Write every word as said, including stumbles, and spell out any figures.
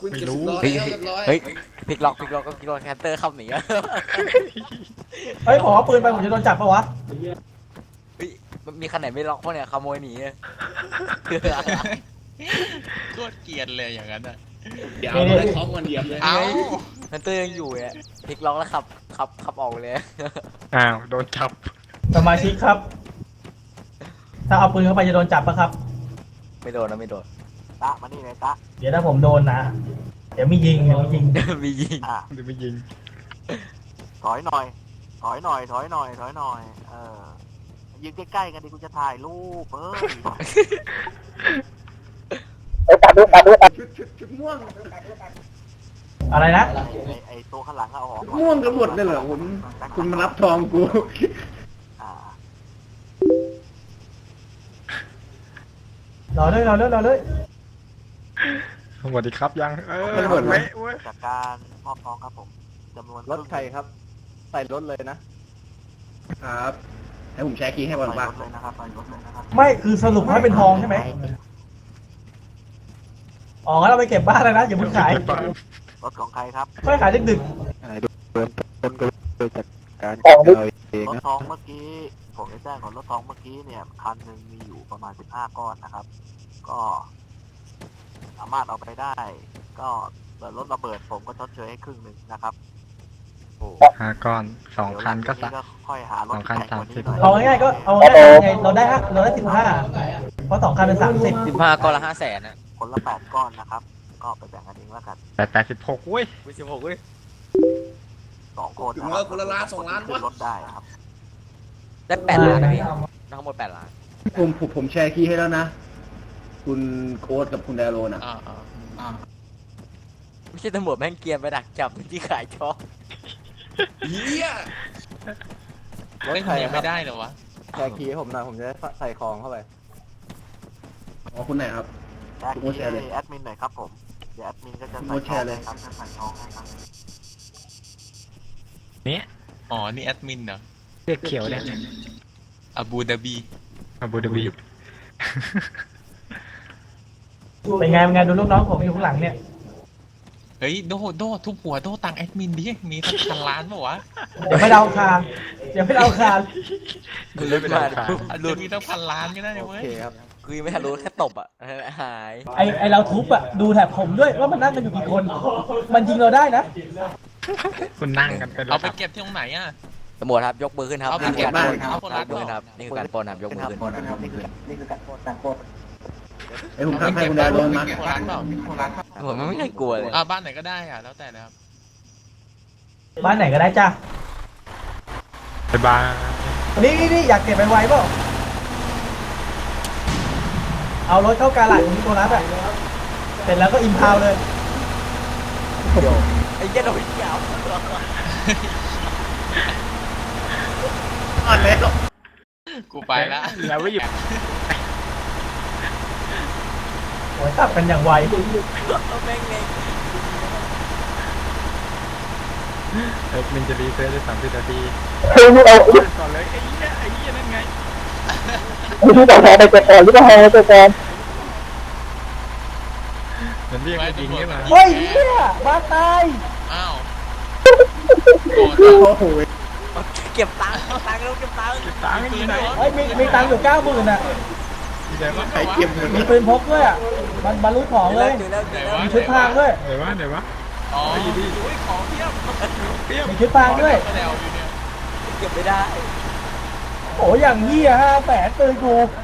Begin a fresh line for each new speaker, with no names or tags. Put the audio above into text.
ไม่รู้
เฮ้ยเฮ้ยพิกล็อกพิกล็อกก็พิกล็อกแคนเตอร์เข้าหนีอะ
เฮ้ยผมเอาปืนไปผมจะโดนจับปะวะ
เฮ้ยมันมีคันไหนไม่ล็อกพวกเนี่ยขโมยหนีอะ
โคตรเกลียดเลยอย่างนั้นอ่ะ
เดี๋ยวเอาท้องมันเหยียบเลย
เอ้า
แคนเตอร์ยังอยู่เนี่ยพิกล็อกแล้วขับขับขับออกเลย
อ้าวโดนจับ
สมาชิกครับ ถ้าเอาปืนเข้าไปจะโดนจับปะครับ
ไม่โดนนะไม่โดน
ตะมานี่เลยตะ
เดี๋ยวถ้าผมโดนนะ เดี๋ยวมียิงเดี๋ยวมียิง
มียิง
อ่ะ
เดี๋ยวไปยิง
ถอยหน่อย ถอยหน่อย ถอยหน่อย ถอยหน่อย เออยืนใกล้ๆกันดิกูจะถ่ายรูปเอ้ย
ชุดชุดชุดม่วง
อะไรนะ
ไอ้ไอ้ตัวข้างหลังเอาออก
ม่วงกันหมดเลยเหรอคุณคุณมารับทองกู
อ่าร
อเลยรอเลยรอเลย
สวัสดีครับยังเออ
มันหมดไหม
เว้ย
จากการมอบทองครับผมจำนวน
รถใครครับ ใส่รถเลยนะ
ครับให้ผมแชร์คีย์ให้ก่อน
ใส่
ป่ะ
รถเลยนะครับใส่รถเลยนะครับ
ไม่คือสรุปให้เป็นทองใช่ไหมอ๋องั้นเราไปเก็บบ้านเลยนะอย่าเพิ่งขาย
รถของใครครับ
ไม่ขายดึก
เริ่มต้นก็เลยจากการเราเอง
รถ
นะ
ทองเมื่อกี้ผมจะแจ้งก่อนรถทองเมื่อกี้เนี่ยคันหนึ่งมีอยู่ประมาณสิบห้าก้อนนะครับ ก็สามารถเอาไปได้ ก็เกิดรถระเบิดผมก็ชดเชยให้ครึ่งหนึ่งนะครับ
ห้าก้อนสองคันก็
เดี๋
สั
ยว
ก
หลังจากนี้ค่อยหารถ
สองคัน
แพกว่า
สามสิบ
หน่อย
ๆเอาง่ายๆก็เอาง่ายๆไงเราได้ฮะเราได้สิบห้าเพราะสองคันเป็นสามสิบ
สิบห้าก้อนละห้าแสนอะ
คนละแปดก้อนนะครับ ก็ไปแบ่งกันเองแล้วกัน
แปดแปดสิบหกเว้ย
วิสิบหกเว้ย
สองคน
ถึงว่าคนละล้านสองล้าน
ขึ้
วะ
นรถได้ครับ
ได้แปดล้านนะพี่ทั้งหมดแปดล้าน
ผมผมผมแชร์คีย์ให้แล้วนะ คุณโค้ดกับคุณไดโรน่ะ
อ่าอ่า
ไม่ใช่ตำรวจแม่งเกรียนไปดักจับที่ขายช็อป
เฮีย
รถ
เล่น
ใคร
ยัง
ครั
ไม่
บ
ได้เหรอวะ
แชร์คีย์ให้ผมหน่อยผมจะได้ใส่ของเข้าไป
อ๋อคุณไหนครับ
แจ้ง
โอ้แชร์เลย
ให้แอดมินหน่อยครับผม เดี๋ยวแอดมินก็จะ
โอ้
ใส่
แชร์เลย
ครับจะใส่ทองให้ครับ
เนี่ย
อ๋อนี่แอดมินเหรอ
เรียกเขียวเนี่ย
อาบูดาบี
อาบูดาบี
เป็นไงเป็นไงดูลูกน้องผมอยู่ข้างหลังเนี่ย
เฮ้ยโดโดทุบหัวโดตังแอดมินดิมีตั้งพันล้านปะวะ
เดี๋ยวไม่เดาคารเดี๋ยวไม่เดาคาร
คือลุ้นมาปุ๊บ
อาจ
ลุ้
จะ
น
มีตั้งพันล้านก็ได้นะ
โอ
เว้ย
เคครับ
คือยังไม่ทันรู้แค่ตบอ่ะหาย
ไอไอเราทุบอะดูแถบผมด้วยว่ามันนั่งกันอยู่กี่คน มันยิงเราได้นะ
คุณนั่งกันเป็น
เอา
ระ
ไป
ดับ
เก็บที่ตรงไหนอ่ะ
ตำรวจครับยกมือขึ้นครับ
เอาไป
นี่คือการปล้นครับ
เอาไปเก็บบ้าน
ยกมือขึ้นครับนี่คือการปล้นครับยกมือขึ้น
นี่คือนี่คือการโคตรการโคตร
ไอ้ผมทำให้คุณไดโรมา
คนร้านเปล่า
ผมไม่เคยกลัวเลย
อ่าบ้านไหนก็ได้อ่ะแล้วแต่นะครับ
บ้านไหนก็ได้จ้า
บ๊ายบาย
นี่นี่นี่อยากเก็บไปไวเปล่าเอารถเข้ากาลาดของนิโคลัสอะเสร็จแล้วก็อิมพาวเลย
ไอ้เหี้ยโดนยาว
อ่อนแล้ว
กูไปละ
แล้วไม่หยุด
โอ้ยตับกันอย่างไว
แม่งเอง
เอ็กมินจะรีเซ็ตได้สามสิบนาทีก่อนเลยไอ้เหี้ยไอ้เหี้ยนั่นไง
ไม่รู้จะแพ้ไปก่อนหรือเปล่าไปก่อน
มันเรียกมายิงขึ้นมา
เฮ้ยเนี่ยบ้านตาย
อ้าวโ
โอ้โห
เก็บตังค์เก็บตังค์แล้วเก็บตังค์
ตางอยู่ไหน
เฮ้ยมีมีตังค์อยู่เก้าหมื่นอะ
ที่ไหนวะ
ใครเก็บเงิน
มีปืนพกด้วยอะมันบรรลุของเลย
เจอแล้วเจอแล้ว
มีชุดพรางด้วย
ไหนวะไหนวะ
อ๋ออุ้ยของเพียบ
เปรี้ยว
มีชุดพรางด้วย
ก็แล้วอยู่เนี่ย
เก็บไม่ได้
โอ้ยอย่างเหี้ยห้าแสนปืนกู
เ